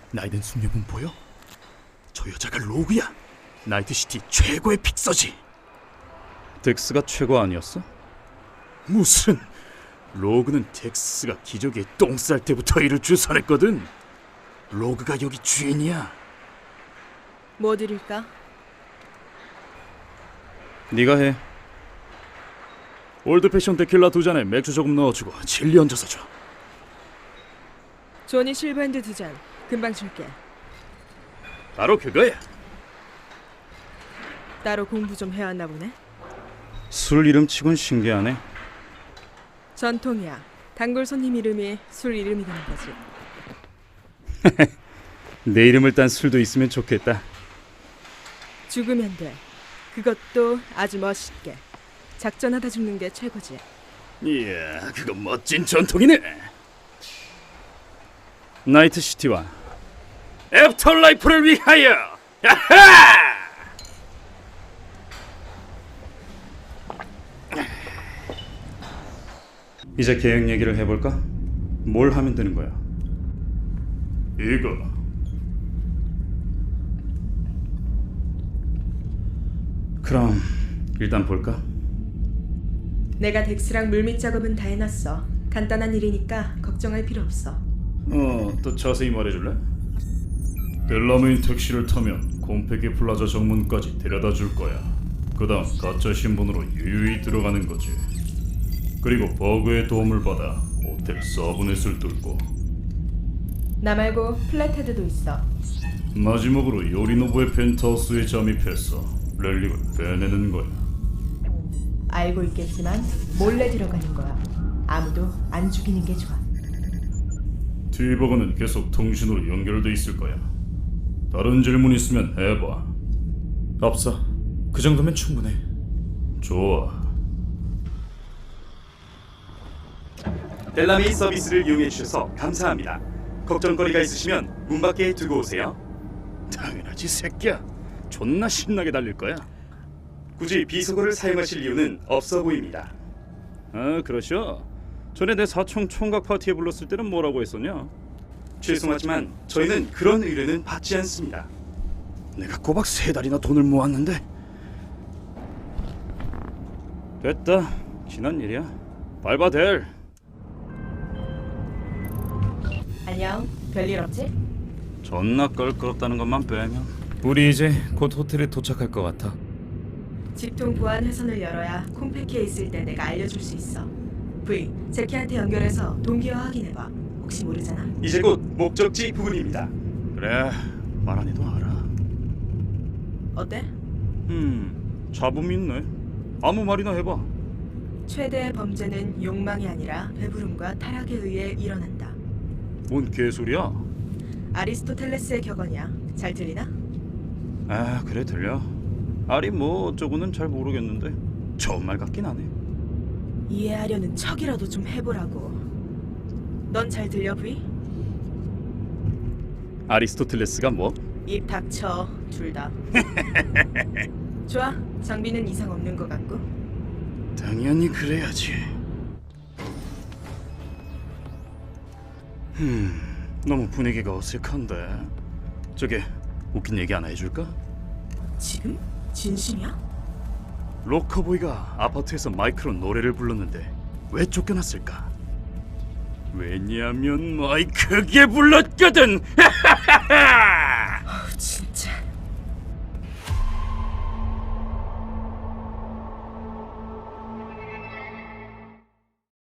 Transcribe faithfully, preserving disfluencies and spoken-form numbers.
나이든 숙녀분 보여? 저 여자가 로그야. 나이트시티 최고의 픽서지. 덱스가 최고 아니었어? 무슨 로그는 덱스가 기적에 똥 쌀 때부터 이를 주선했거든. 로그가 여기 주인이야. 뭐 드릴까? 네가 해. 올드패션 데킬라 두 잔에 맥주 조금 넣어주고 진리 얹어서 줘. 조니 실버핸드 두 잔. 금방 줄게. 바로 그거야. 따로 공부 좀 해왔나 보네. 술 이름치곤 신기하네. 전통이야. 단골 손님 이름이 술 이름이 되는 거지. 내 이름을 딴 술도 있으면 좋겠다. 죽으면 돼. 그것도 아주 멋있게. 작전하다 죽는 게 최고지. 이야, 그거 멋진 전통이네. 나이트시티와 애프터라이프를 위하여. 야하! 이제 계획 얘기를 해볼까? 뭘 하면 되는 거야? 이거 그럼 일단 볼까? 내가 덱스랑 물밑 작업은 다 해놨어. 간단한 일이니까 걱정할 필요 없어. 어, 또 자세히 말해줄래? 델라메인 택시를 타면 콤페기 플라자 정문까지 데려다 줄 거야. 그 다음 가짜 신분으로 유유히 들어가는 거지. 그리고 버그의 도움을 받아 호텔 서브넷을 뚫고 나 말고 플랫헤드도 있어. 마지막으로 요리노부의 펜트하우스에 잠입해서 렐릭을 빼내는 거야. 알고 있겠지만 몰래 들어가는 거야. 아무도 안 죽이는 게 좋아. 티버그는 계속 통신으로 연결돼 있을 거야. 다른 질문 있으면 해봐. 없어. 그 정도면 충분해. 좋아. 델라메이 서비스를 이용해 주셔서 감사합니다. 걱정거리가 있으시면 문 밖에 두고 오세요. 당연하지, 새끼야. 존나 신나게 달릴 거야. 굳이 비속어를 사용하실 이유는 없어 보입니다. 아, 그러셔? 전에 내 사촌 총각 파티에 불렀을 때는 뭐라고 했었냐? 죄송하지만 저희는 그런 의뢰는 받지 않습니다. 내가 꼬박 세 달이나 돈을 모았는데. 됐다. 지난 일이야. 밟아 델. 안녕. 별일 없지? 존나 껄끄럽다는 것만 빼면. 우리 이제 곧 호텔에 도착할 것 같아. 직통 보안 회선을 열어야 콤패키에 있을 때 내가 알려줄 수 있어. V, 제키한테 연결해서 동기화 확인해봐. 혹시 모르잖아. 이제 곧 목적지 부근입니다. 그래, 말 안 해도 알아. 어때? 음, 잡음 있네. 아무 말이나 해봐. 최대의 범죄는 욕망이 아니라 배부름과 타락에 의해 일어난다. 뭔 개소리야? 아리스토텔레스의 격언이야. 잘 들리나? 아, 그래 들려. 아리 뭐 어쩌고는 잘 모르겠는데 좋은 말 같긴 하네. 이해하려는 척이라도 좀 해보라고. 넌 잘 들려, V? 아리스토텔레스가 뭐? 입 닥쳐, 둘 다. 좋아, 장비는 이상 없는 것 같고. 당연히 그래야지. 음, 너무 분위기가 어색한데. 저기 웃긴 얘기 하나 해줄까? 지금? 진심이야? 로커보이가 아파트에서 마이크로 노래를 불렀는데 왜 쫓겨났을까? 왜냐면 마이크 크게 불렀거든.